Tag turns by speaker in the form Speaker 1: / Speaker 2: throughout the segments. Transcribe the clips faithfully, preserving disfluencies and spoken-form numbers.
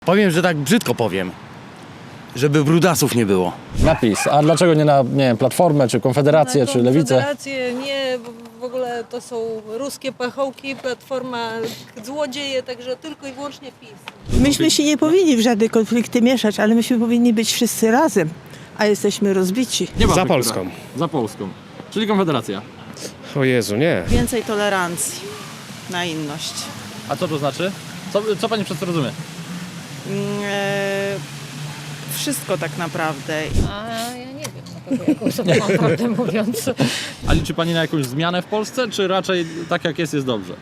Speaker 1: Powiem, że tak brzydko powiem, żeby brudasów nie było.
Speaker 2: Napis. A dlaczego nie na, nie wiem, Platformę, czy Konfederację,
Speaker 3: Na
Speaker 2: czy Lewicę?
Speaker 3: Konfederację nie, bo w ogóle to są ruskie pachołki, Platforma złodzieje, także tylko i wyłącznie PiS.
Speaker 4: Myśmy się nie powinni w żadne konflikty mieszać, ale myśmy powinni być wszyscy razem, a jesteśmy rozbici.
Speaker 2: Nie ma
Speaker 5: Za
Speaker 2: która.
Speaker 5: Polską.
Speaker 2: Za Polską. Czyli Konfederacja.
Speaker 5: O Jezu, nie.
Speaker 6: Więcej tolerancji na inność.
Speaker 2: A co to znaczy? Co, co pani przez to rozumie?
Speaker 6: Mm, e, wszystko tak naprawdę.
Speaker 7: A ja nie wiem, na kogo jaką sobie mam prawdę mówiąc.
Speaker 2: A liczy pani na jakąś zmianę w Polsce, czy raczej tak jak jest, jest dobrze?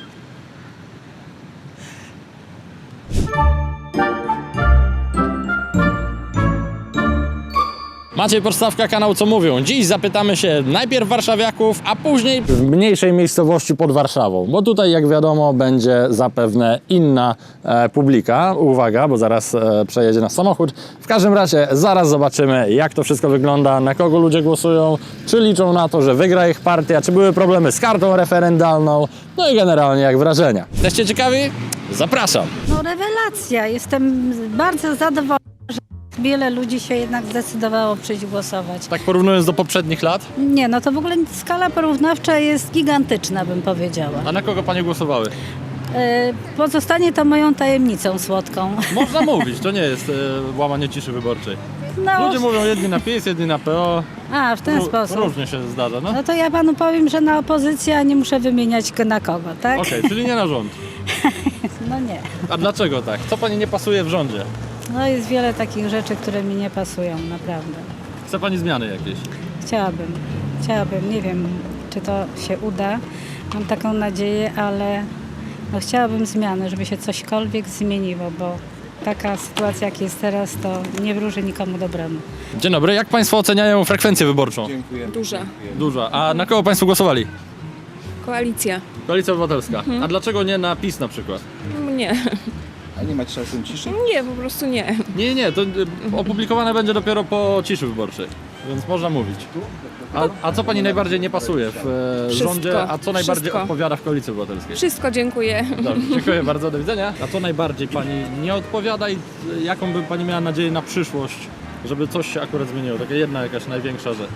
Speaker 2: Maciej Podstawka, kanał Co Mówią. Dziś zapytamy się najpierw warszawiaków, a później w mniejszej miejscowości pod Warszawą, bo tutaj, jak wiadomo, będzie zapewne inna e, publika. Uwaga, bo zaraz e, przejedzie nas samochód. W każdym razie zaraz zobaczymy, jak to wszystko wygląda, na kogo ludzie głosują, czy liczą na to, że wygra ich partia, czy były problemy z kartą referendalną, no i generalnie jak wrażenia. Jesteście ciekawi? Zapraszam.
Speaker 7: No rewelacja, jestem bardzo zadowolona, że wiele ludzi się jednak zdecydowało przyjść głosować.
Speaker 2: Tak porównując do poprzednich lat,
Speaker 7: Nie, no to w ogóle skala porównawcza jest gigantyczna, bym powiedziała.
Speaker 2: a na kogo panie głosowały?
Speaker 7: E, Pozostanie to moją tajemnicą słodką.
Speaker 2: Można mówić, to nie jest e, łamanie ciszy wyborczej.
Speaker 7: No,
Speaker 2: Ludzie mówią jedni na PiS, jedni na P O.
Speaker 7: a w ten
Speaker 2: Ró-
Speaker 7: sposób.
Speaker 2: Różnie się zdarza, no.
Speaker 7: No to ja panu powiem, że na opozycję, a nie muszę wymieniać go na kogo, tak?
Speaker 2: Okej, czyli nie na rząd.
Speaker 7: No nie.
Speaker 2: A dlaczego tak? Co pani nie pasuje w rządzie?
Speaker 7: No jest wiele takich rzeczy, które mi nie pasują, naprawdę.
Speaker 2: Chce pani zmiany jakieś?
Speaker 7: Chciałabym, chciałabym, nie wiem, czy to się uda. Mam taką nadzieję, ale no chciałabym zmiany, żeby się cośkolwiek zmieniło, bo taka sytuacja, jak jest teraz, to nie wróży nikomu dobremu.
Speaker 2: Dzień dobry, jak państwo oceniają frekwencję wyborczą?
Speaker 8: Duża.
Speaker 2: Duża. A na kogo państwo głosowali?
Speaker 8: Koalicja.
Speaker 2: Koalicja Obywatelska. A dlaczego nie na PiS na przykład?
Speaker 8: Nie.
Speaker 9: A nie macie czasem ciszy?
Speaker 8: Nie, po prostu nie.
Speaker 2: Nie, nie, to y, opublikowane będzie dopiero po ciszy wyborczej, więc można mówić. A, a co pani najbardziej nie pasuje w e,
Speaker 8: Wszystko.
Speaker 2: rządzie, a co najbardziej
Speaker 8: Wszystko.
Speaker 2: odpowiada w Koalicji Obywatelskiej?
Speaker 8: Wszystko dziękuję.
Speaker 2: Dobrze, dziękuję bardzo, do widzenia. A co najbardziej pani nie odpowiada i jaką by pani miała nadzieję na przyszłość, żeby coś się akurat zmieniło? Taka jedna jakaś największa rzecz.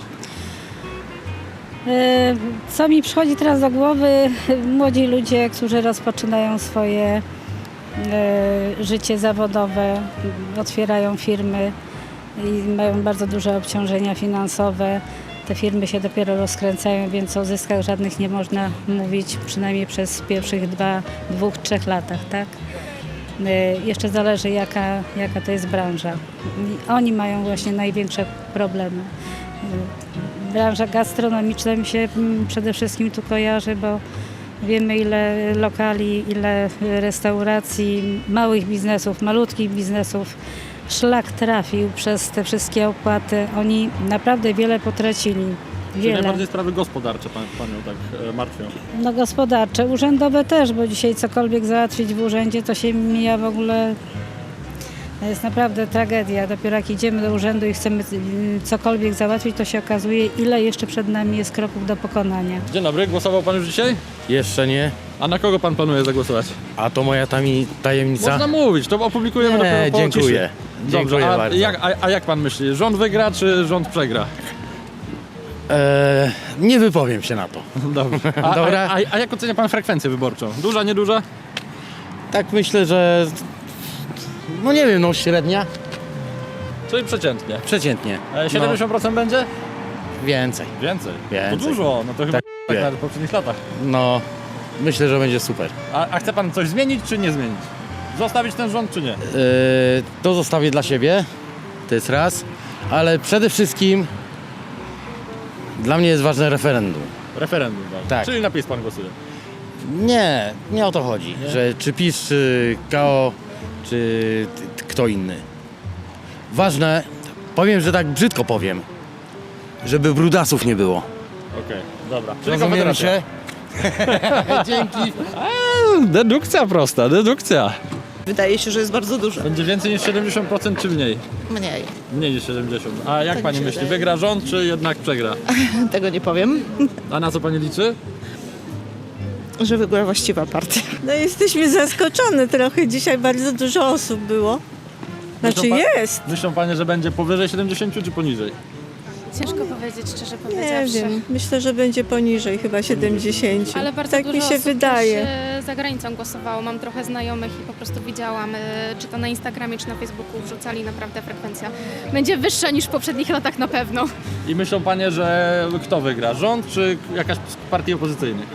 Speaker 7: E, Co mi przychodzi teraz do głowy, młodzi ludzie, którzy rozpoczynają swoje e, życie zawodowe, otwierają firmy i mają bardzo duże obciążenia finansowe. Te firmy się dopiero rozkręcają, więc o zyskach żadnych nie można mówić, przynajmniej przez pierwszych dwa, dwóch, trzech latach, tak? E, Jeszcze zależy, jaka, jaka to jest branża. I oni mają właśnie największe problemy. E, Branża gastronomiczna mi się mm, przede wszystkim tu kojarzy, bo wiemy, ile lokali, ile restauracji, małych biznesów, malutkich biznesów szlak trafił przez te wszystkie opłaty. Oni naprawdę wiele potracili.
Speaker 2: Czyli
Speaker 7: Wiele.
Speaker 2: najbardziej sprawy gospodarcze pan, panią tak e, martwią.
Speaker 7: No gospodarcze, urzędowe też, bo dzisiaj cokolwiek załatwić w urzędzie, to się mija w ogóle. To jest naprawdę tragedia. Dopiero jak idziemy do urzędu i chcemy mm, cokolwiek załatwić, to się okazuje, ile jeszcze przed nami jest kroków do pokonania.
Speaker 2: Dzień dobry, głosował pan już dzisiaj?
Speaker 1: Jeszcze nie,
Speaker 2: A na kogo pan planuje zagłosować?
Speaker 1: a to moja tami tajemnica.
Speaker 2: Można mówić, to opublikujemy
Speaker 1: Nie,
Speaker 2: dopiero po
Speaker 1: dziękuję.
Speaker 2: ciszy. Dobrze,
Speaker 1: Dziękuję
Speaker 2: a
Speaker 1: bardzo.
Speaker 2: jak, a, a jak pan myśli, rząd wygra czy rząd przegra?
Speaker 1: Eee, nie wypowiem się na to.
Speaker 2: Dobrze. A,
Speaker 1: Dobra.
Speaker 2: A, a, a jak ocenia pan frekwencję wyborczą? Duża, nieduża?
Speaker 1: Tak myślę, że no nie wiem, no średnia,
Speaker 2: Czyli przeciętnie.
Speaker 1: przeciętnie.
Speaker 2: E, siedemdziesiąt procent będzie?
Speaker 1: No, więcej.
Speaker 2: Więcej.
Speaker 1: Więcej.
Speaker 2: To dużo, no to chyba
Speaker 1: Tak,
Speaker 2: tak,
Speaker 1: wie.
Speaker 2: jak na poprzednich latach.
Speaker 1: No, myślę, że będzie super.
Speaker 2: A, a chce pan coś zmienić czy nie zmienić? Zostawić ten rząd czy nie?
Speaker 1: Eee, to zostawię dla siebie, to jest raz, ale przede wszystkim dla mnie jest ważne referendum.
Speaker 2: Referendum. Tak.
Speaker 1: Tak.
Speaker 2: Czyli na PiS pan głosuje.
Speaker 1: Nie, nie o to chodzi, że czy PiS, czy K O, czy t- t- kto inny. Ważne, powiem, że tak brzydko powiem, żeby brudasów nie było.
Speaker 2: Okej, dobra. Czyli
Speaker 1: Rozumiemy
Speaker 2: Konfederacja.
Speaker 1: się? Dzięki.
Speaker 2: A, dedukcja prosta, dedukcja.
Speaker 6: Wydaje się, że jest bardzo dużo.
Speaker 2: Będzie więcej niż siedemdziesiąt procent czy mniej?
Speaker 6: Mniej.
Speaker 2: Mniej niż siedemdziesiąt. A jak
Speaker 6: Tak
Speaker 2: pani
Speaker 6: mi się
Speaker 2: myśli,
Speaker 6: wydaje.
Speaker 2: wygra rząd czy jednak przegra?
Speaker 6: Tego nie powiem.
Speaker 2: A na co pani liczy?
Speaker 6: że wygrała właściwa partia.
Speaker 4: No jesteśmy zaskoczone trochę. Dzisiaj bardzo dużo osób było. Znaczy
Speaker 2: Myślą pa-
Speaker 4: jest.
Speaker 2: Myślą panie, że będzie powyżej siedemdziesięciu czy poniżej?
Speaker 5: Ciężko powiedzieć, szczerze
Speaker 4: Nie
Speaker 5: powiedziawszy.
Speaker 4: wiem. Myślę, że będzie poniżej chyba siedemdziesiąt.
Speaker 5: Ale bardzo
Speaker 4: Tak
Speaker 5: dużo
Speaker 4: mi się
Speaker 5: osób
Speaker 4: wydaje.
Speaker 5: też e, za granicą głosowało. Mam trochę znajomych i po prostu widziałam, e, czy to na Instagramie, czy na Facebooku wrzucali, naprawdę frekwencja będzie wyższa niż w poprzednich latach na pewno.
Speaker 2: I myślą panie, że kto wygra? Rząd czy jakaś z partii opozycyjnych?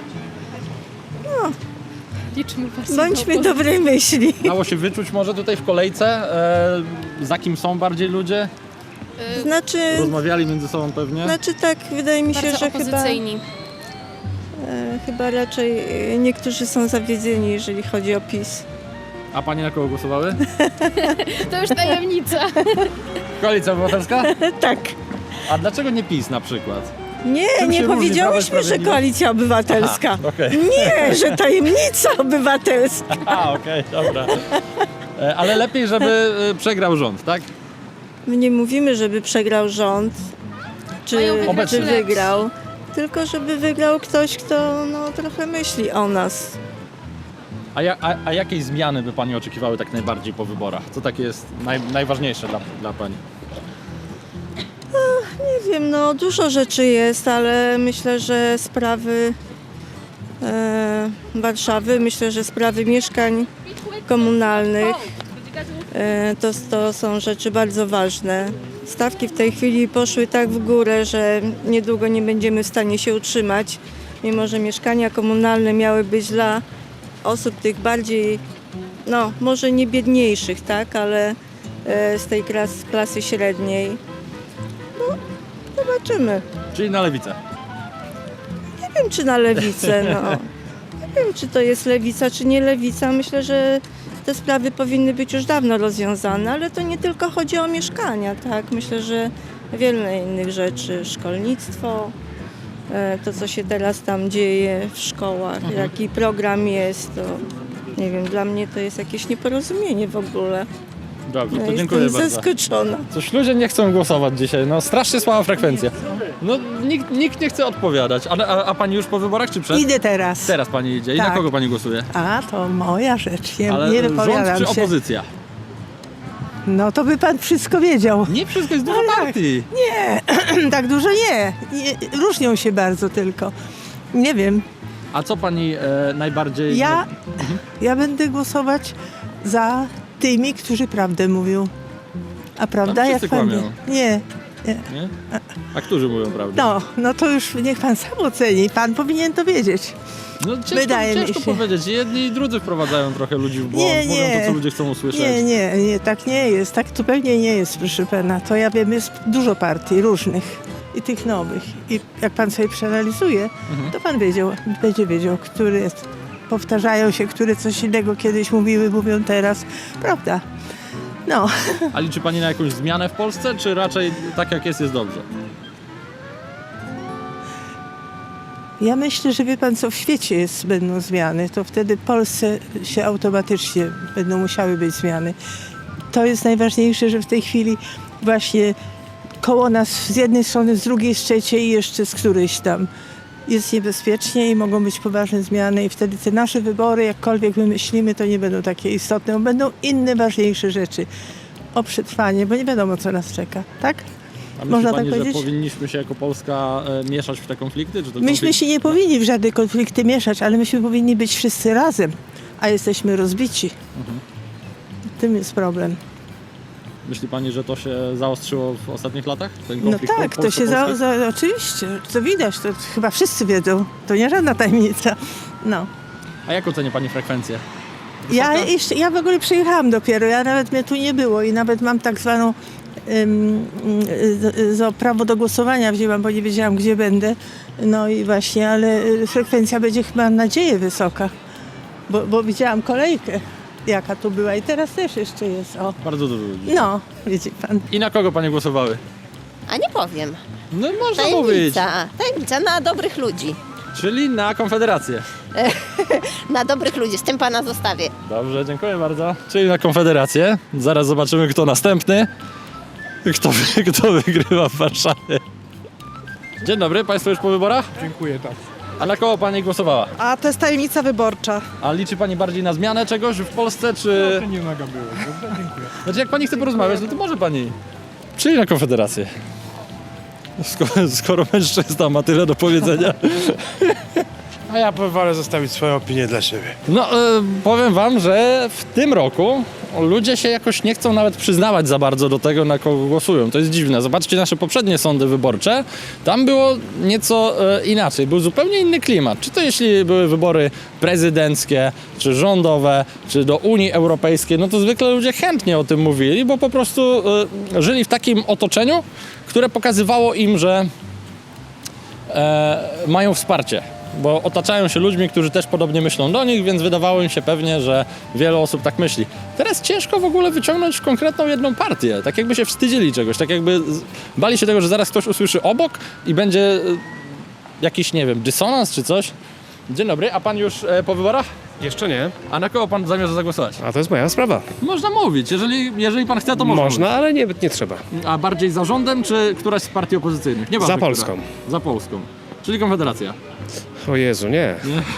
Speaker 5: Liczmy partię
Speaker 4: Bądźmy
Speaker 5: do
Speaker 4: dobrej myśli.
Speaker 2: Dało się wyczuć może tutaj w kolejce, e, za kim są bardziej ludzie?
Speaker 4: Znaczy,
Speaker 2: Rozmawiali między sobą pewnie.
Speaker 4: znaczy tak, wydaje mi się,
Speaker 5: bardzo
Speaker 4: że chyba,
Speaker 5: opozycyjni.
Speaker 4: e, chyba raczej e, niektórzy są zawiedzeni, jeżeli chodzi o PiS.
Speaker 2: A panie na kogo głosowały?
Speaker 5: To już tajemnica.
Speaker 2: Koalicja Obywatelska?
Speaker 4: Tak.
Speaker 2: A dlaczego nie PiS na przykład?
Speaker 4: Nie,
Speaker 2: Czym
Speaker 4: nie
Speaker 2: się różni Prawo i
Speaker 4: powiedziałyśmy, że
Speaker 2: Sprawiedliwość?
Speaker 4: Koalicja Obywatelska.
Speaker 2: Aha, okej.
Speaker 4: Nie, że tajemnica obywatelska.
Speaker 2: A, okej, dobra. E, Ale lepiej, żeby e, przegrał rząd, tak?
Speaker 4: My nie mówimy, żeby przegrał rząd, czy,
Speaker 5: Mają wygrać
Speaker 4: czy
Speaker 5: lepsi.
Speaker 4: wygrał, tylko żeby wygrał ktoś, kto no, trochę myśli o nas.
Speaker 2: A, ja, a, a jakiej zmiany by pani oczekiwały tak najbardziej po wyborach? Co takie jest naj, najważniejsze dla, dla pani?
Speaker 4: Nie wiem, no dużo rzeczy jest, ale myślę, że sprawy e, Warszawy, myślę, że sprawy mieszkań komunalnych e, to, to są rzeczy bardzo ważne. Stawki w tej chwili poszły tak w górę, że niedługo nie będziemy w stanie się utrzymać, mimo że mieszkania komunalne miały być dla osób tych bardziej, no może nie biedniejszych, tak, ale e, z tej klas, klasy średniej. Zobaczymy.
Speaker 2: Czyli na lewicę.
Speaker 4: Nie wiem, czy na lewicę, no. Nie wiem, czy to jest lewica, czy nie lewica. Myślę, że te sprawy powinny być już dawno rozwiązane, ale to nie tylko chodzi o mieszkania, tak? Myślę, że wiele innych rzeczy, szkolnictwo, e, to co się teraz tam dzieje w szkołach, jaki program jest, to nie wiem, dla mnie to jest jakieś nieporozumienie w ogóle.
Speaker 2: Dobrze,
Speaker 4: Ja
Speaker 2: to dziękuję
Speaker 4: jestem
Speaker 2: bardzo.
Speaker 4: zaskoczona.
Speaker 2: Coś ludzie nie chcą głosować dzisiaj, no strasznie słaba frekwencja. No nikt, nikt nie chce odpowiadać. A, a, a pani już po wyborach czy przed?
Speaker 4: Idę teraz.
Speaker 2: Teraz pani idzie. I na
Speaker 4: Tak.
Speaker 2: kogo pani głosuje?
Speaker 4: A, to moja rzecz, nie,
Speaker 2: Ale
Speaker 4: nie
Speaker 2: rząd
Speaker 4: wypowiadam
Speaker 2: czy
Speaker 4: się.
Speaker 2: opozycja?
Speaker 4: No to by pan wszystko wiedział.
Speaker 2: Nie, wszystko jest dużo partii.
Speaker 4: Nie, tak dużo nie. nie. Różnią się bardzo tylko. Nie wiem.
Speaker 2: A co pani e, najbardziej...
Speaker 4: Ja, ja będę głosować za tymi, którzy prawdę mówią. A prawda,
Speaker 2: Tam
Speaker 4: jak
Speaker 2: wszyscy
Speaker 4: pan
Speaker 2: kłamią.
Speaker 4: wie? Nie.
Speaker 2: Nie? A którzy mówią prawdę?
Speaker 4: No, no to już niech pan sam oceni. Pan powinien to wiedzieć.
Speaker 2: No ciężko,
Speaker 4: Wydaje mi
Speaker 2: ciężko
Speaker 4: się.
Speaker 2: powiedzieć. Jedni i drudzy wprowadzają trochę ludzi w błąd.
Speaker 4: Nie,
Speaker 2: Mówią
Speaker 4: nie.
Speaker 2: to, co ludzie chcą usłyszeć.
Speaker 4: Nie, nie, nie, tak nie jest. Tak zupełnie nie jest, proszę pana. To ja wiem, jest dużo partii różnych i tych nowych. I jak pan sobie przeanalizuje, to pan wiedział, będzie wiedział, które jest. Powtarzają się, które coś innego kiedyś mówiły, mówią teraz. Prawda? No.
Speaker 2: A liczy pani na jakąś zmianę w Polsce, czy raczej tak jak jest, jest dobrze?
Speaker 4: Ja myślę, że wie pan co, w świecie jest, będą zmiany, to wtedy w Polsce się automatycznie będą musiały być zmiany. To jest najważniejsze, że w tej chwili właśnie koło nas z jednej strony, z drugiej, z trzeciej i jeszcze z którejś tam jest niebezpiecznie i mogą być poważne zmiany i wtedy te nasze wybory, jakkolwiek my myślimy, to nie będą takie istotne, bo będą inne, ważniejsze rzeczy o przetrwanie, bo nie wiadomo, co nas czeka, tak?
Speaker 2: A myśli
Speaker 4: Można
Speaker 2: pani,
Speaker 4: tak
Speaker 2: że
Speaker 4: powiedzieć?
Speaker 2: powinniśmy się jako Polska e, mieszać w te konflikty? Czy to
Speaker 4: Myśmy
Speaker 2: konflikt...
Speaker 4: się nie powinni w żadne konflikty mieszać, ale myśmy powinni być wszyscy razem, a jesteśmy rozbici. Tym jest problem.
Speaker 2: Myśli pani, że to się zaostrzyło w ostatnich latach? Ten
Speaker 4: No
Speaker 2: konflikt
Speaker 4: tak, to
Speaker 2: Polsko-
Speaker 4: się za,
Speaker 2: polski?
Speaker 4: za, oczywiście, co widać, to chyba wszyscy wiedzą, to nie żadna tajemnica. No.
Speaker 2: A jak ocenia pani frekwencję?
Speaker 4: Ja,
Speaker 2: Wysoka?
Speaker 4: jeszcze, ja w ogóle przyjechałam dopiero, ja nawet mnie tu nie było i nawet mam tak zwaną ym, z, z, prawo do głosowania wzięłam, bo nie wiedziałam, gdzie będę. No i właśnie, ale y, frekwencja będzie chyba, mam nadzieję, wysoka, bo, bo widziałam kolejkę, jaka tu była i teraz też jeszcze jest. O.
Speaker 2: Bardzo dużo ludzi.
Speaker 4: No, widzi pan.
Speaker 2: I na kogo pani głosowały?
Speaker 10: A nie powiem.
Speaker 2: No można mówić.
Speaker 10: Tajemnica. Tajemnica na dobrych ludzi.
Speaker 2: Czyli na Konfederację.
Speaker 10: Na dobrych ludzi. Z tym pana zostawię.
Speaker 2: Dobrze, dziękuję bardzo. Czyli na Konfederację. Zaraz zobaczymy, kto następny. Kto, wy- kto wygrywa w Warszawie. Dzień dobry, państwo już po wyborach?
Speaker 11: Dziękuję, tak.
Speaker 2: A na kogo pani głosowała?
Speaker 6: A to jest tajemnica wyborcza.
Speaker 2: A liczy pani bardziej na zmianę czegoś w Polsce, czy...
Speaker 11: Nie mogę było. Dziękuję.
Speaker 2: Znaczy jak pani chce porozmawiać, no to może pani. Czyli na Konfederację. Skoro, skoro mężczyzna ma tyle do powiedzenia.
Speaker 11: A ja wolę zostawić swoją opinię dla siebie.
Speaker 2: No, e, powiem wam, że w tym roku ludzie się jakoś nie chcą nawet przyznawać za bardzo do tego, na kogo głosują. To jest dziwne. Zobaczcie nasze poprzednie sądy wyborcze. Tam było nieco e, inaczej. Był zupełnie inny klimat. Czy to jeśli były wybory prezydenckie, czy rządowe, czy do Unii Europejskiej, no to zwykle ludzie chętnie o tym mówili, bo po prostu e, żyli w takim otoczeniu, które pokazywało im, że e, mają wsparcie. Bo otaczają się ludźmi, którzy też podobnie myślą do nich, więc wydawało im się pewnie, że wiele osób tak myśli. Teraz ciężko w ogóle wyciągnąć konkretną jedną partię, tak jakby się wstydzili czegoś, tak jakby bali się tego, że zaraz ktoś usłyszy obok i będzie e, jakiś, nie wiem, dysonans czy coś. Dzień dobry, a pan już e, po wyborach?
Speaker 11: Jeszcze nie.
Speaker 2: A na kogo pan zamierza zagłosować?
Speaker 11: A to jest moja sprawa.
Speaker 2: Można mówić, jeżeli, jeżeli pan chce, to można.
Speaker 11: Można, ale nie, nie trzeba.
Speaker 2: Mówić. A bardziej za rządem, czy któraś z partii opozycyjnych? Nie
Speaker 11: Za Polską.
Speaker 2: Za Polską, czyli Konfederacja.
Speaker 11: O Jezu, nie.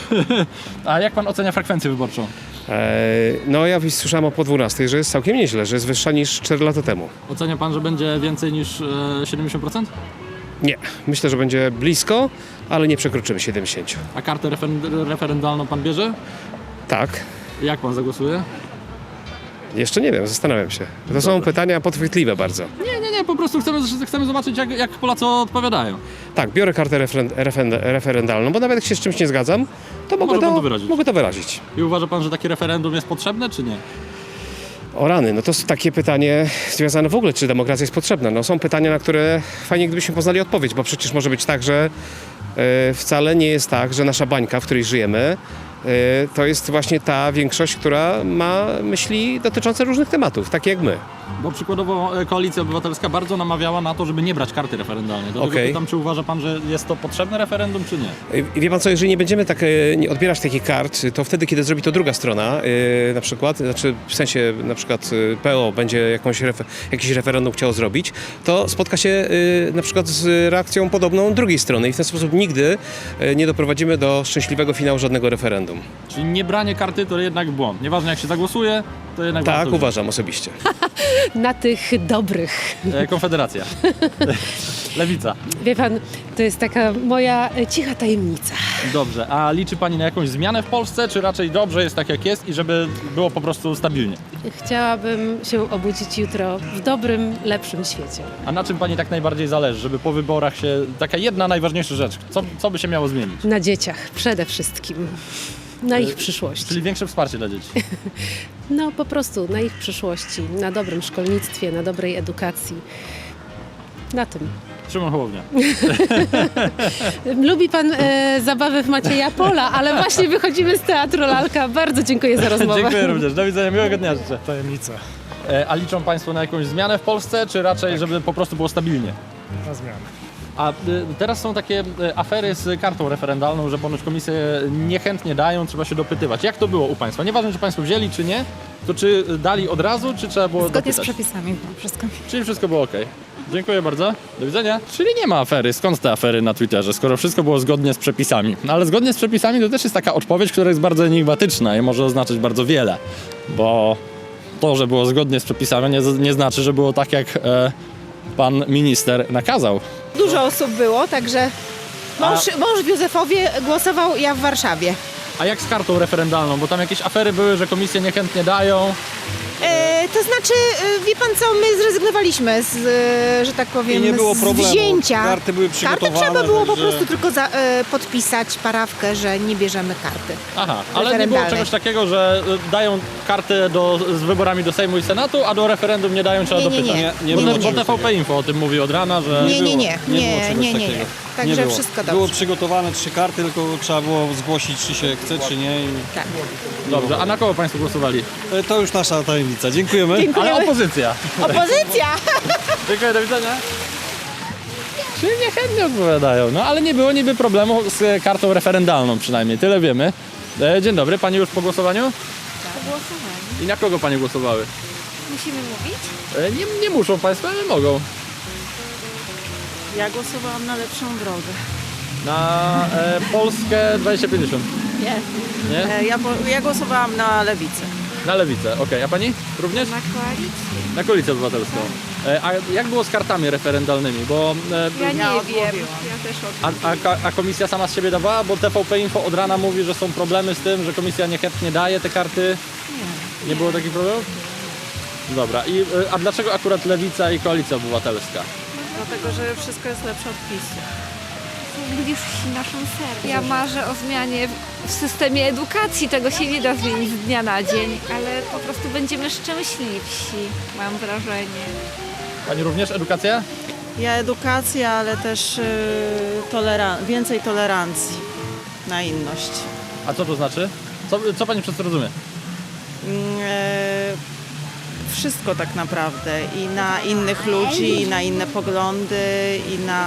Speaker 2: A jak pan ocenia frekwencję wyborczą?
Speaker 11: Eee, no ja słyszałem o po dwunastej, że jest całkiem nieźle, że jest wyższa niż cztery lata temu.
Speaker 2: Ocenia pan, że będzie więcej niż e, siedemdziesiąt procent?
Speaker 11: Nie. Myślę, że będzie blisko, ale nie przekroczymy siedemdziesiąt.
Speaker 2: A kartę refer- referendalną pan bierze?
Speaker 11: Tak.
Speaker 2: Jak pan zagłosuje?
Speaker 11: Jeszcze nie wiem, zastanawiam się. To są pytania podchwytliwe bardzo.
Speaker 2: Nie, nie, nie, po prostu chcemy, chcemy zobaczyć, jak, jak Polacy odpowiadają.
Speaker 11: Tak, biorę kartę referen- referen- referendalną, bo nawet jak się z czymś nie zgadzam, to mogę
Speaker 2: Może pan
Speaker 11: to,
Speaker 2: to wyrazić.
Speaker 11: mogę to wyrazić.
Speaker 2: I uważa pan, że takie referendum jest potrzebne, czy nie?
Speaker 11: O rany, no to jest takie pytanie związane w ogóle, czy demokracja jest potrzebna. No są pytania, na które fajnie gdybyśmy poznali odpowiedź, bo przecież może być tak, że e, wcale nie jest tak, że nasza bańka, w której żyjemy, e, to jest właśnie ta większość, która ma myśli dotyczące różnych tematów, takie jak my.
Speaker 2: Bo przykładowo e, Koalicja Obywatelska bardzo namawiała na to, żeby nie brać karty referendalnej. Dlatego
Speaker 11: Okej.
Speaker 2: pytam, czy uważa pan, że jest to potrzebne referendum, czy nie?
Speaker 11: I wie pan co, jeżeli nie będziemy tak e, nie odbierać takich kart, to wtedy, kiedy zrobi to druga strona, e, na przykład, znaczy w sensie na przykład e, P O będzie jakąś refer- jakiś referendum chciało zrobić, to spotka się e, na przykład z reakcją podobną drugiej strony i w ten sposób nigdy e, nie doprowadzimy do szczęśliwego finału żadnego referendum.
Speaker 2: Czyli nie branie karty to jednak błąd. Nieważne jak się zagłosuje, to jednak
Speaker 11: Tak,
Speaker 2: warto wziąć.
Speaker 11: uważam osobiście.
Speaker 12: Na tych dobrych.
Speaker 2: E, Konfederacja. Lewica.
Speaker 12: Wie pan, to jest taka moja e, cicha tajemnica.
Speaker 2: Dobrze, a liczy pani na jakąś zmianę w Polsce, czy raczej dobrze jest tak jak jest i żeby było po prostu stabilnie?
Speaker 12: Chciałabym się obudzić jutro w dobrym, lepszym świecie.
Speaker 2: A na czym pani tak najbardziej zależy, żeby po wyborach się... Taka jedna najważniejsza rzecz, co, co by się miało zmienić?
Speaker 12: Na dzieciach przede wszystkim. Na ich przyszłości.
Speaker 2: Czyli większe wsparcie dla dzieci.
Speaker 12: No po prostu na ich przyszłości, na dobrym szkolnictwie, na dobrej edukacji. Na tym.
Speaker 2: Szymon Hołownia.
Speaker 12: Lubi pan e, zabawy w Macieja Pola, ale właśnie wychodzimy z Teatru Lalka. Bardzo dziękuję za rozmowę.
Speaker 2: Dziękuję również. Do widzenia, miłego dnia życzę.
Speaker 11: Tajemnica.
Speaker 2: E, a liczą państwo na jakąś zmianę w Polsce, czy raczej, żeby po prostu było stabilnie?
Speaker 11: Na zmianę.
Speaker 2: A y, teraz są takie y, afery z kartą referendalną, że ponoć komisje niechętnie dają, trzeba się dopytywać. Jak to było u państwa? Nieważne, czy państwo wzięli, czy nie, to czy dali od razu, czy trzeba było
Speaker 8: Zgodnie
Speaker 2: dopytać?
Speaker 8: z przepisami wszystko.
Speaker 2: Czyli wszystko było ok. Dziękuję bardzo. Do widzenia. Czyli nie ma afery. Skąd te afery na Twitterze, skoro wszystko było zgodnie z przepisami? No ale zgodnie z przepisami to też jest taka odpowiedź, która jest bardzo enigmatyczna i może oznaczać bardzo wiele. Bo to, że było zgodnie z przepisami, nie, nie znaczy, że było tak, jak e, pan minister nakazał.
Speaker 6: Dużo osób było, także mąż, mąż w Józefowie głosował, ja w Warszawie.
Speaker 2: A jak z kartą referendalną? Bo tam jakieś afery były, że komisje niechętnie dają.
Speaker 6: E, to znaczy, e, wie pan co, my zrezygnowaliśmy z, e, że tak powiem,
Speaker 9: I nie było
Speaker 6: z
Speaker 9: problemu.
Speaker 6: wzięcia.
Speaker 9: Karty były
Speaker 6: Kartę
Speaker 9: przygotowane.
Speaker 6: trzeba było po
Speaker 9: także-
Speaker 6: prostu tylko za, e, podpisać parawkę, że nie bierzemy karty.
Speaker 2: Aha, ale nie było
Speaker 6: Referendalnej.
Speaker 2: czegoś takiego, że y, dają kartę do, z wyborami do Sejmu i Senatu, a do referendum nie dają, trzeba
Speaker 6: Nie, nie,
Speaker 2: dopytać.
Speaker 6: nie.
Speaker 9: Nie
Speaker 2: Bo,
Speaker 9: było
Speaker 2: bo
Speaker 9: czegoś
Speaker 2: T V P Info o tym mówi od rana, że...
Speaker 6: Nie, nie, nie,
Speaker 9: było
Speaker 6: nie,
Speaker 9: czegoś
Speaker 6: nie, nie, nie.
Speaker 9: takiego.
Speaker 6: Także
Speaker 9: było.
Speaker 6: wszystko dobrze.
Speaker 9: Było przygotowane trzy karty, tylko trzeba było zgłosić, czy się chce, czy nie. I...
Speaker 6: Tak.
Speaker 2: Dobrze, a na kogo państwo głosowali?
Speaker 9: E, To już nasza tajemnica. Dziękujemy.
Speaker 2: Ale opozycja.
Speaker 6: Opozycja!
Speaker 2: Dziękuję, do widzenia. Czyli niechętnie odpowiadają, no ale nie było niby problemu z e, kartą referendalną przynajmniej, tyle wiemy. E, dzień dobry, pani już po głosowaniu?
Speaker 8: Głosowałem.
Speaker 2: I na kogo pani głosowały?
Speaker 8: Musimy mówić?
Speaker 2: E, nie, nie muszą państwo, ale mogą.
Speaker 6: Ja głosowałam na lepszą drogę.
Speaker 2: Na e, Polskę dwadzieścia pięćdziesiąt.
Speaker 6: Nie.
Speaker 2: Nie?
Speaker 6: Ja, ja głosowałam na Lewicę.
Speaker 2: Na Lewicę, okej. A pani również?
Speaker 8: Na koalicję.
Speaker 2: Na Koalicję Obywatelską. E, a jak było z kartami referendalnymi? Bo e,
Speaker 8: Ja nie
Speaker 6: Ja
Speaker 8: wiem.
Speaker 6: odmówiłam.
Speaker 8: Ja też
Speaker 2: A, a, ka- a komisja sama z siebie dawała? Bo T V P Info od rana mówi, że są problemy z tym, że komisja niechętnie daje te karty. Nie. Nie było takich problemów? Dobra. I, y, a dlaczego akurat Lewica i Koalicja Obywatelska?
Speaker 6: Dlatego, że wszystko jest lepsze od PiSu.
Speaker 8: Bliżsi naszym sercom. Ja marzę o zmianie w systemie edukacji. Tego się nie da zmienić z dnia na dzień, ale po prostu będziemy szczęśliwsi, mam wrażenie.
Speaker 2: Pani również edukacja?
Speaker 6: Ja edukacja, ale też yy, toleran- więcej tolerancji na inność.
Speaker 2: A co to znaczy? Co, co pani przez to rozumie?
Speaker 6: Mm, e, wszystko tak naprawdę. I na innych ludzi, i na inne poglądy, i na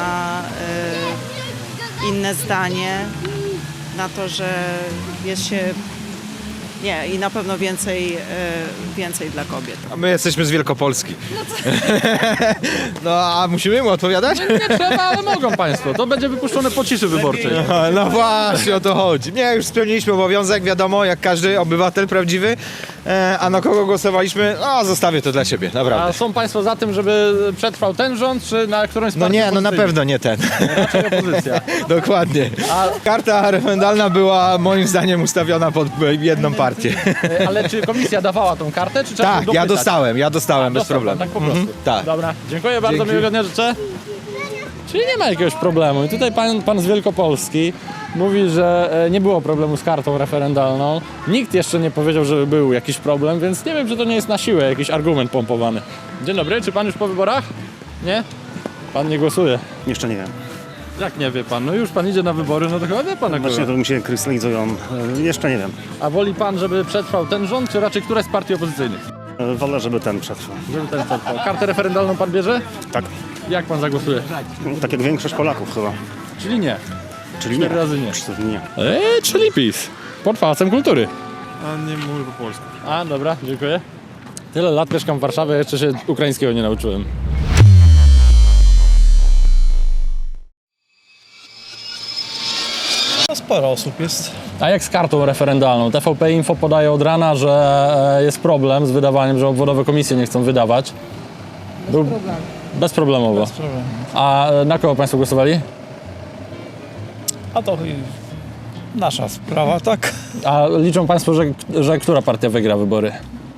Speaker 6: e, inne zdanie. Na to, że jest się... Nie, i na pewno więcej, e, więcej dla kobiet.
Speaker 9: A my jesteśmy z Wielkopolski. No a musimy mu odpowiadać?
Speaker 2: Nie trzeba, ale mogą państwo. To będzie wypuszczone po ciszy wyborczej.
Speaker 9: No, no właśnie, o to chodzi. Nie, już spełniliśmy obowiązek, wiadomo, jak każdy obywatel prawdziwy. E, a na kogo głosowaliśmy? No, zostawię to dla siebie,
Speaker 2: A
Speaker 9: naprawdę.
Speaker 2: są państwo za tym, żeby przetrwał ten rząd, czy na którymś z
Speaker 9: No
Speaker 2: partii
Speaker 9: nie, no na
Speaker 2: opozycyjnych?
Speaker 9: pewno nie ten.
Speaker 2: Raczej opozycja.
Speaker 9: Dokładnie.
Speaker 2: A,
Speaker 9: Karta referendalna była moim zdaniem ustawiona pod jedną partię.
Speaker 2: ale czy komisja dawała tą kartę, czy trzeba
Speaker 9: Tak,
Speaker 2: było
Speaker 9: ja
Speaker 2: dopytać?
Speaker 9: dostałem, ja dostałem bez
Speaker 2: Dostał pan,
Speaker 9: problemu.
Speaker 2: tak po prostu.
Speaker 9: Mhm, tak.
Speaker 2: Dobra, dziękuję bardzo,
Speaker 9: Dzięki.
Speaker 2: miłego dnia życzę. Czyli nie ma jakiegoś problemu. I tutaj pan, pan z Wielkopolski mówi, że e, nie było problemu z kartą referendalną. Nikt jeszcze nie powiedział, że był jakiś problem, więc nie wiem, czy to nie jest na siłę jakiś argument pompowany. Dzień dobry, czy pan już po wyborach? Nie? Pan nie głosuje.
Speaker 13: Jeszcze nie wiem.
Speaker 2: Jak nie wie pan? No już pan idzie na wybory, no to chyba wie pan jak
Speaker 13: Właśnie
Speaker 2: było.
Speaker 13: to mi się krystalizują. E, Jeszcze nie wiem.
Speaker 2: A woli pan, żeby przetrwał ten rząd, czy raczej któraś z partii opozycyjnych?
Speaker 13: E, Wolę, żeby ten przetrwał.
Speaker 2: Żeby ten przetrwał. Kartę referendalną pan bierze?
Speaker 13: Tak.
Speaker 2: Jak pan zagłosuje?
Speaker 13: Tak jak większość Polaków chyba.
Speaker 2: Czyli nie.
Speaker 13: Czyli nie.
Speaker 2: Cztery razy nie.
Speaker 13: Cztery nie.
Speaker 2: Eee, czyli PiS. Pod Pałacem Kultury.
Speaker 9: A nie mówię po polsku.
Speaker 2: A, dobra, dziękuję. Tyle lat mieszkam w Warszawie, jeszcze się ukraińskiego nie nauczyłem.
Speaker 9: No sporo osób jest.
Speaker 2: A jak z kartą referendalną? T V P Info podaje od rana, że e, jest problem z wydawaniem, że obwodowe komisje nie chcą wydawać. Był... Bez problemu. Bezproblemowo.
Speaker 9: Bez problemu.
Speaker 2: A e, na kogo państwo głosowali?
Speaker 9: A to nasza sprawa, tak?
Speaker 2: A liczą państwo, że, że która partia wygra wybory?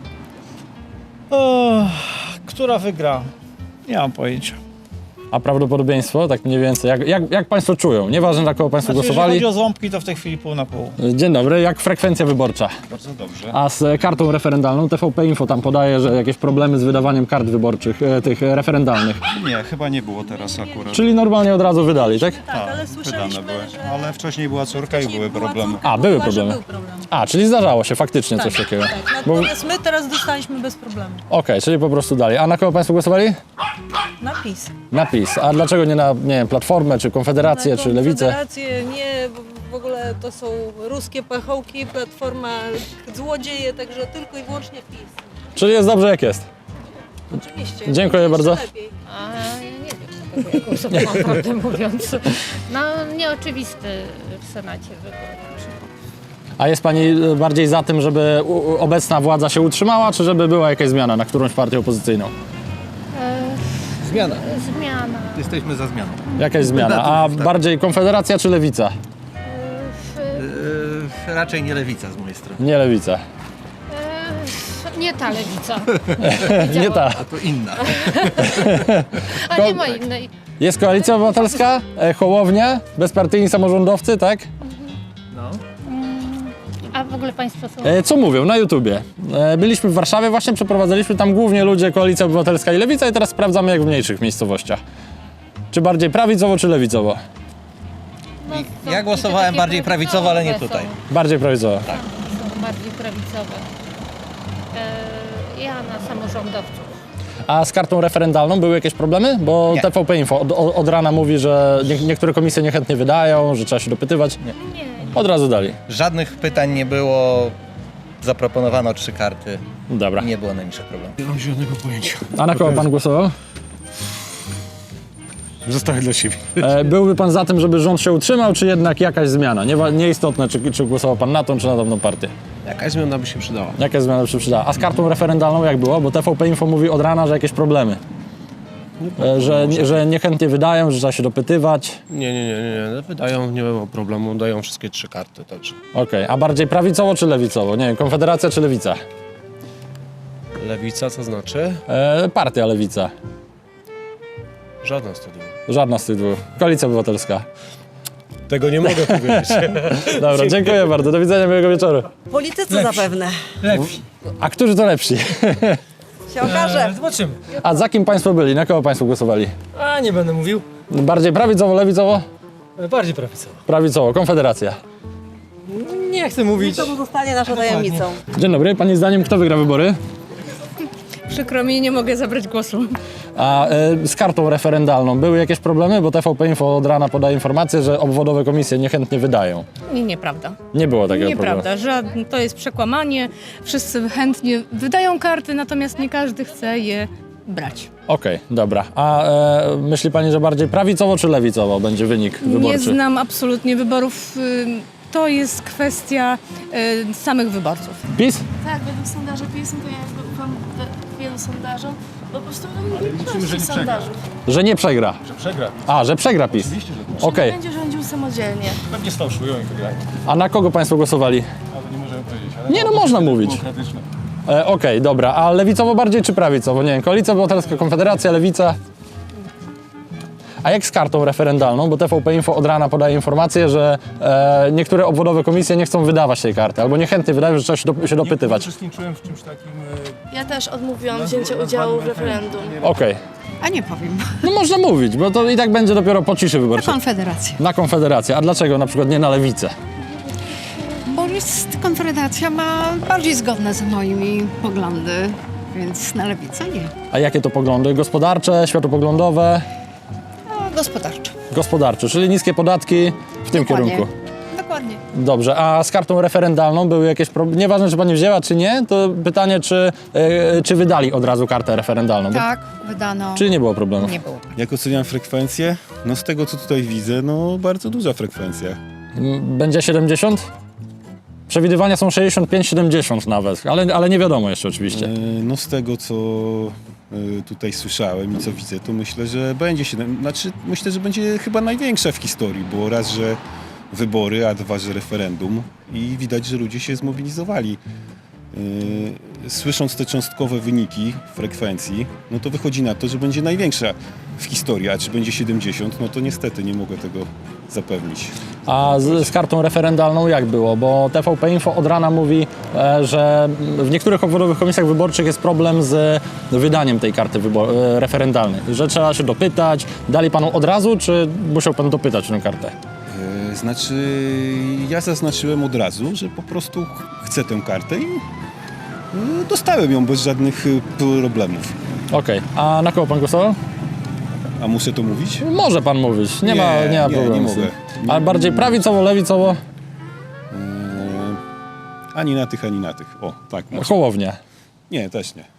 Speaker 9: O, która wygra? Nie mam pojęcia.
Speaker 2: A prawdopodobieństwo, tak mniej więcej, jak, jak, jak państwo czują? Nieważne, na kogo państwo
Speaker 9: Znaczy,
Speaker 2: głosowali.
Speaker 9: jeżeli chodzi o ząbki, to w tej chwili pół na pół.
Speaker 2: Dzień dobry, jak frekwencja wyborcza?
Speaker 9: Bardzo dobrze.
Speaker 2: A z kartą referendalną T V P Info tam podaje, że jakieś problemy z wydawaniem kart wyborczych, e, tych referendalnych.
Speaker 14: Nie, chyba nie było teraz akurat.
Speaker 2: Czyli normalnie od razu wydali, tak?
Speaker 3: Tak, ale słyszeliśmy,
Speaker 14: Wydane były.
Speaker 3: że...
Speaker 14: Ale wcześniej była córka i
Speaker 3: wcześniej
Speaker 14: były
Speaker 3: była
Speaker 14: problemy.
Speaker 3: córka,
Speaker 2: A, były
Speaker 3: była, że
Speaker 2: problemy.
Speaker 3: Był problem.
Speaker 2: A, czyli zdarzało się faktycznie
Speaker 3: Tak,
Speaker 2: coś takiego.
Speaker 3: tak.
Speaker 2: Bo-
Speaker 3: Natomiast my teraz dostaliśmy bez problemu.
Speaker 2: Okej, czyli po prostu dalej. A na kogo państwo głosowali?
Speaker 3: Na PiS.
Speaker 2: Na PiS. A dlaczego nie na, nie wiem, Platformę, czy Konfederację,
Speaker 3: Na
Speaker 2: czy Lewicę?
Speaker 3: Konfederację nie, bo w ogóle to są ruskie pachołki, Platforma złodzieje, także tylko i wyłącznie PiS.
Speaker 2: Czyli jest dobrze jak jest.
Speaker 3: Oczywiście.
Speaker 2: Dziękuję
Speaker 3: Jeszcze
Speaker 2: bardzo.
Speaker 3: lepiej.
Speaker 8: A ja nie wiem, jaką głosowałam, prawdę mówiąc. No nieoczywisty w Senacie wybór.
Speaker 2: A jest pani bardziej za tym, żeby u- u- obecna władza się utrzymała, czy żeby była jakaś zmiana na którąś partię opozycyjną?
Speaker 9: Zmiana.
Speaker 8: Zmiana.
Speaker 9: Jesteśmy za zmianą.
Speaker 2: Jakaś zmiana. A bardziej Konfederacja czy Lewica?
Speaker 9: Yy, raczej nie lewica z mojej strony.
Speaker 2: Nie Lewica.
Speaker 8: E, nie ta lewica,
Speaker 2: Nie ta.
Speaker 9: To inna.
Speaker 8: a nie ma innej.
Speaker 2: Jest Koalicja Obywatelska, e, Hołownia, bezpartyjni samorządowcy, tak?
Speaker 8: A w ogóle państwo są...
Speaker 2: E, co mówią na YouTubie? E, byliśmy w Warszawie, właśnie przeprowadzaliśmy tam głównie ludzie Koalicja Obywatelska i Lewica i teraz sprawdzamy jak w mniejszych miejscowościach. Czy bardziej prawicowo, czy lewicowo?
Speaker 8: No, są
Speaker 9: Ja głosowałem
Speaker 8: takie
Speaker 9: bardziej prawicowo, ale nie
Speaker 8: są-
Speaker 9: tutaj.
Speaker 2: Bardziej prawicowo.
Speaker 8: Są bardziej prawicowe. E, ja na samorządowców.
Speaker 2: A z kartą referendalną były jakieś problemy? Bo
Speaker 9: Nie.
Speaker 2: T V P Info od, od rana mówi, że nie, niektóre komisje niechętnie wydają, że trzeba się dopytywać.
Speaker 8: Nie.
Speaker 2: Od razu dali.
Speaker 15: Żadnych pytań nie było, zaproponowano trzy karty,
Speaker 2: Dobra.
Speaker 15: nie było najmniejszych problemów.
Speaker 9: Nie mam zielonego pojęcia.
Speaker 2: A na kogo pan głosował?
Speaker 16: Zostawię dla siebie.
Speaker 2: E, byłby pan za tym, żeby rząd się utrzymał, czy jednak jakaś zmiana? Nie, nieistotne, czy, czy głosował pan na tą, czy na tamtą partię.
Speaker 11: Jakaś zmiana by się przydała.
Speaker 2: Jaka zmiana by się przydała? A z kartą referendalną jak było? Bo T V P Info mówi od rana, że jakieś problemy. E, że, nie, że niechętnie wydają, że trzeba się dopytywać.
Speaker 11: Nie, nie, nie, nie, nie. Wydają, nie ma problemu, dają wszystkie trzy karty, także.
Speaker 2: Okej, a bardziej prawicowo czy lewicowo? Nie wiem, Konfederacja czy Lewica?
Speaker 11: Lewica, co znaczy?
Speaker 2: E, partia Lewica.
Speaker 11: Żadna z tych dwóch.
Speaker 2: Żadna z tych dwóch. Koalicja Obywatelska.
Speaker 11: Tego nie mogę powiedzieć.
Speaker 2: Dobra, dziękuję bardzo. Do widzenia, miłego wieczoru.
Speaker 3: Politycy zapewne.
Speaker 2: Lepsi. A którzy to lepsi?
Speaker 3: Się okaże.
Speaker 16: Zobaczymy.
Speaker 2: A za kim państwo byli? Na kogo państwo głosowali?
Speaker 16: A nie będę mówił.
Speaker 2: Bardziej prawicowo, lewicowo?
Speaker 16: Bardziej prawicowo.
Speaker 2: Prawicowo, Konfederacja.
Speaker 16: Nie chcę mówić.
Speaker 3: To pozostanie naszą tajemnicą.
Speaker 2: Dzień dobry, pani zdaniem kto wygra wybory?
Speaker 3: Przykro mi, nie mogę zabrać głosu.
Speaker 2: A e, z kartą referendalną były jakieś problemy? Bo T V P Info od rana podaje informację, że obwodowe komisje niechętnie wydają.
Speaker 17: Nie, nieprawda.
Speaker 2: Nie było takiego
Speaker 17: Nieprawda,
Speaker 2: problemu.
Speaker 17: żadne, to jest przekłamanie. Wszyscy chętnie wydają karty, natomiast nie każdy chce je brać.
Speaker 2: Okej, dobra. A e, myśli pani, że bardziej prawicowo czy lewicowo będzie wynik wyborczy?
Speaker 17: Nie znam absolutnie wyborów. y, To jest kwestia y, samych wyborców.
Speaker 2: PiS?
Speaker 5: Tak, według sondaży PiS, to ja jakby ufam we- wielu sondażom, bo po prostu no,
Speaker 16: liczymy, że nie przegra.
Speaker 5: sondażów.
Speaker 2: Że nie przegra.
Speaker 16: Że przegra.
Speaker 2: A, że przegra PiS.
Speaker 16: Oczywiście, że tak.
Speaker 2: Okej.
Speaker 5: Będzie rządził samodzielnie.
Speaker 16: Pewnie sfałszują i wygrają.
Speaker 2: A na kogo państwo głosowali?
Speaker 16: Ale nie możemy powiedzieć. Ale
Speaker 2: Nie, no można mówić.
Speaker 16: Demokratyczne.
Speaker 2: E, Okej, dobra. A lewicowo bardziej czy prawicowo? Nie wiem, Koalicja Obywatelska, Konfederacja, Lewica. A jak z kartą referendalną? Bo T V P Info od rana podaje informację, że e, niektóre obwodowe komisje nie chcą wydawać tej karty, albo niechętnie wydają, że trzeba się, do, się
Speaker 16: Nie
Speaker 2: dopytywać.
Speaker 16: uczestniczyłem w czymś takim.
Speaker 5: Ja też odmówiłam wzięcia udziału w referendum.
Speaker 2: Okej.
Speaker 8: A nie powiem.
Speaker 2: No można mówić, bo to i tak będzie dopiero po ciszy wyborczej.
Speaker 8: Konfederacja.
Speaker 2: Na Konfederację. A dlaczego na przykład nie na Lewicę?
Speaker 8: Bo jest, Konfederacja ma bardziej zgodne z moimi poglądy, więc na lewicę nie.
Speaker 2: A jakie to poglądy? Gospodarcze, światopoglądowe,
Speaker 8: A gospodarczo.
Speaker 2: gospodarcze, czyli niskie podatki w tym
Speaker 8: Dokładnie.
Speaker 2: kierunku.
Speaker 8: Dokładnie.
Speaker 2: Dobrze, a z kartą referendalną były jakieś problemy? Nieważne, czy pani wzięła, czy nie, to pytanie, czy, yy, czy wydali od razu kartę referendalną? Bo-
Speaker 8: Tak, wydano.
Speaker 2: Czy nie było problemu?
Speaker 8: Nie było.
Speaker 14: Jak oceniam frekwencję? No z tego co tutaj widzę, no bardzo duża frekwencja.
Speaker 2: M, Będzie siedemdziesiąt? Przewidywania są sześćdziesiąt pięć siedemdziesiąt nawet, ale, ale nie wiadomo jeszcze oczywiście.
Speaker 14: E, No z tego co e, tutaj słyszałem i co widzę, to myślę, że będzie siedem, znaczy myślę, że będzie chyba największa w historii, bo raz, że wybory, a dwa, że referendum i widać, że ludzie się zmobilizowali. E, Słysząc te cząstkowe wyniki frekwencji, no to wychodzi na to, że będzie największa w historii, a czy będzie siedemdziesiąt, no to niestety nie mogę tego zapewnić.
Speaker 2: A z, z kartą referendalną jak było? Bo T V P Info od rana mówi, e, że w niektórych obwodowych komisjach wyborczych jest problem z wydaniem tej karty wybor- e, referendalnej. Że trzeba się dopytać. Dali panu od razu, czy musiał pan dopytać tę kartę?
Speaker 14: E, Znaczy, ja zaznaczyłem od razu, że po prostu chcę tę kartę i e, dostałem ją bez żadnych e, problemów.
Speaker 2: Okej, a na kogo pan głosował?
Speaker 14: A muszę to mówić?
Speaker 2: Może pan mówić, nie, ma, nie ma
Speaker 14: nie,
Speaker 2: problemu.
Speaker 14: nie
Speaker 2: z tym.
Speaker 14: mogę. Nie-
Speaker 2: Ale bardziej prawicowo, lewicowo?
Speaker 14: E, Ani na tych, ani na tych. O, tak. może.
Speaker 2: Hołownia.
Speaker 14: Nie, też nie.